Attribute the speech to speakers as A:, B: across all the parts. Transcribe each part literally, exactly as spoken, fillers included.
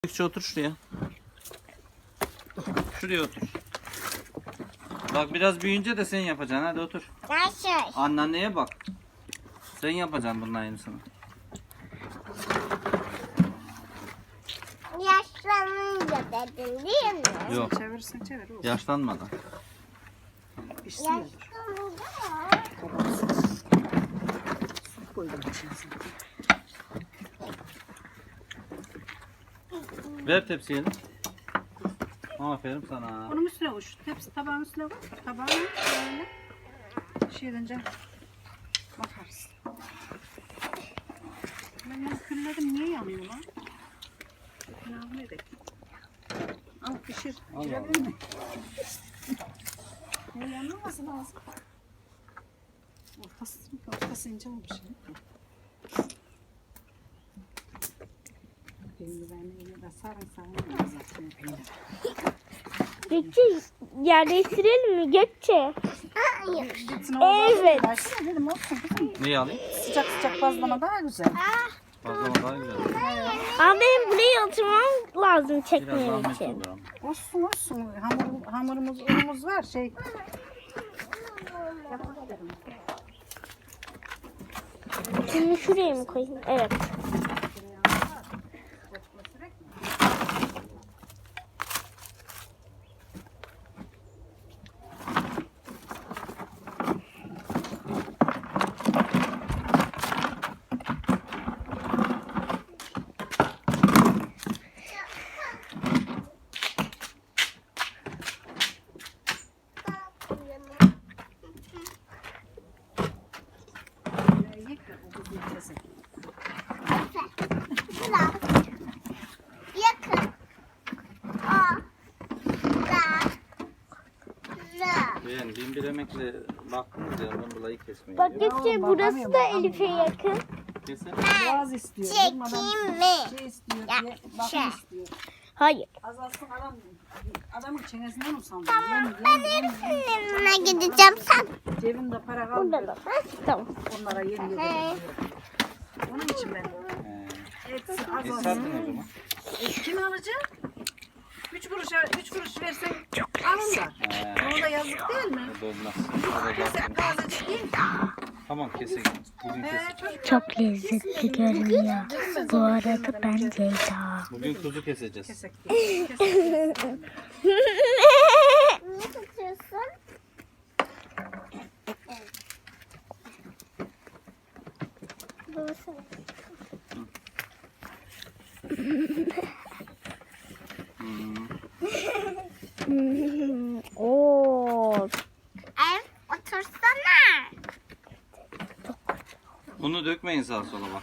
A: Gökçe otur şuraya. Şuraya otur. Bak biraz büyüyünce de sen yapacaksın. Hadi otur.
B: Nasıl?
A: Anneanneye bak. Sen yapacaksın bunun aynısını.
B: Yaşlanınca dedin değil mi?
A: Yok.
C: Çevirirsen çevir. Olsun.
A: Yaşlanmadan.
C: Pişsin de.
B: Yaşlanınca.
C: Su koydum içine zaten.
A: Ver tepsiye de. Aferin sana.
C: Bunun üstüne koy. Şu tepsi tabağın üstüne koy. Tabağını böyle şey edince bakarız. Ben bunu külledim. Niye yanıyor lan? Ne yapayım? Al pişir.
A: Allah
C: Pişirebilir mi? Ne yanmaması lazım. Ortası, ortası ince olmuş. Peynir vermeyi de sarın sarın zaten peynir.
D: Gökçe yerleştirelim mi Gökçe?
B: Hayır.
D: Evet.
C: Versene dedim olsun.
A: Neyi alayım?
C: Sıcak sıcak bazlama daha güzel.
A: Bazlama daha güzel.
D: Ama benim buraya oturmam lazım
A: Biraz
D: çekmem
A: zahmet
D: için.
A: olur ama.
C: Olsun olsun. Hamur, hamurumuz, unumuz var. Şey.
D: Şimdi şuraya mı koyayım? Evet.
B: Yakın. Aa. Da. Da.
A: Yani bin bir emekle baktınız ya ondan dolayı kesmeyin.
D: Bak
A: diyor.
D: Gökçe
C: Oğlum,
D: burası
C: bakamıyorum,
D: da
C: bakamıyorum.
D: Elif'e yakın.
A: Kesin.
C: Boğaz istiyor.
B: Çekeyim
C: Durmadan
B: mi?
C: şey istiyor
B: Ya,
C: diye
B: şey.
C: bakım istiyor.
D: Hayır.
C: Azalsın adam, adamın çenesinden usandı.
B: Tamam, ben Elif'in yanına gideceğim. Sen
C: Cebimde para
D: Burada
C: kalmıyor.
D: da. Ha, tamam.
C: Onlara yeni yedi. Onun için ben
A: He.
C: etsi
A: Biz
C: azalsın.
A: sattın o zaman.
C: E, kim alacak? Üç kuruşa, üç kuruş versen alırlar.
A: He.
C: Ona da yazık değil mi?
A: O da olmaz. O da
C: Sen
A: zaten.
C: tazecik değil.
A: Tamam kesin. Bugün
C: He,
A: kesin.
C: çocuk
D: Çok lezzetli görünüyor. Bu arada ben Ceyda.
A: Bugün kuzu keseceğiz.
C: kesek. Kesek.
B: niye tutuyorsun? Babası.
A: Hmm.
D: Oo.
B: Ev otursana.
A: Bunu dökmeyin sağa sola bak.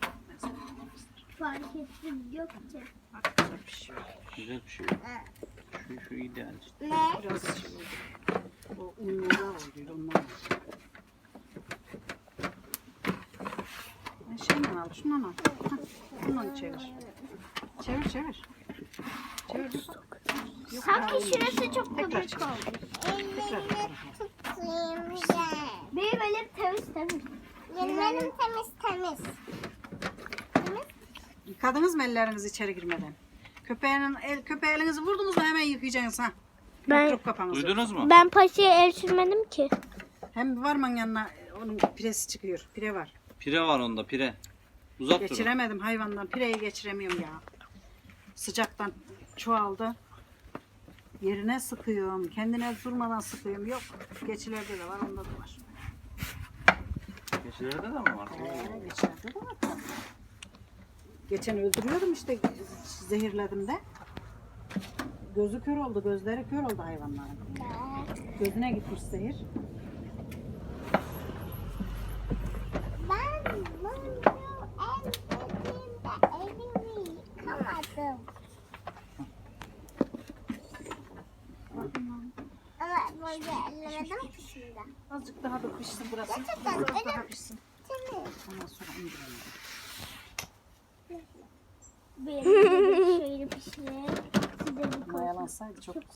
B: Fark ettim Gökçe.
A: Güzel bir şey. Şu, şu ideal işte.
B: Ne?
C: Biraz şey oldu. O unlular oluyor onlar. Ben şeyden al, şundan al. Hah, bundan çevir. Çevir çevir. Çevir. Yok,
B: Sanki
C: hayır.
B: şurası çok
C: Tekrar
B: köpük
C: çevir.
B: oldu.
C: Tekrar.
B: Tutayım gel. Benim elim temiz temiz. Benim elim temiz temiz. Temiz.
C: Yıkadınız mı ellerinizi içeri girmeden? Köpeğinin el köpeğe elinizi vurdunuz mu hemen yıkayacaksınız ha.
D: Ben-
C: Mikrop kapanızı.
A: Duydunuz mu?
D: Ben paşaya el sürmedim ki.
C: Hem varman yanına onun piresi çıkıyor. Pire var.
A: Pire var onda pire. Uzak durun.
C: Geçiremedim hayvandan. Pireyi geçiremiyorum ya. Sıcaktan çoğaldı. Yerine sıkıyorum. Kendine durmadan sıkıyorum. Yok. Geçilerde de var. Onda da var.
A: Geçilerde de mi var?
C: Ee, geçilerde de var. Geçen öldürüyordum işte. Zehirledim de. Gözü kör oldu. Gözleri kör oldu hayvanların. Gözüne gitmiş zehir.
B: Ben bunu el dediğimde elimi yıkamadım. Ama böyle ellemedim ki şimdi.
C: Azıcık daha da pişsin burası.
B: Gerçekten
C: Azıcık
B: öyle
C: daha
B: mi?
C: pişsin.
B: Temiz.
C: Ondan sonra indirelim.
B: Benim de şöyle pişirir. Size bir koy.
C: Mayalansaydı çok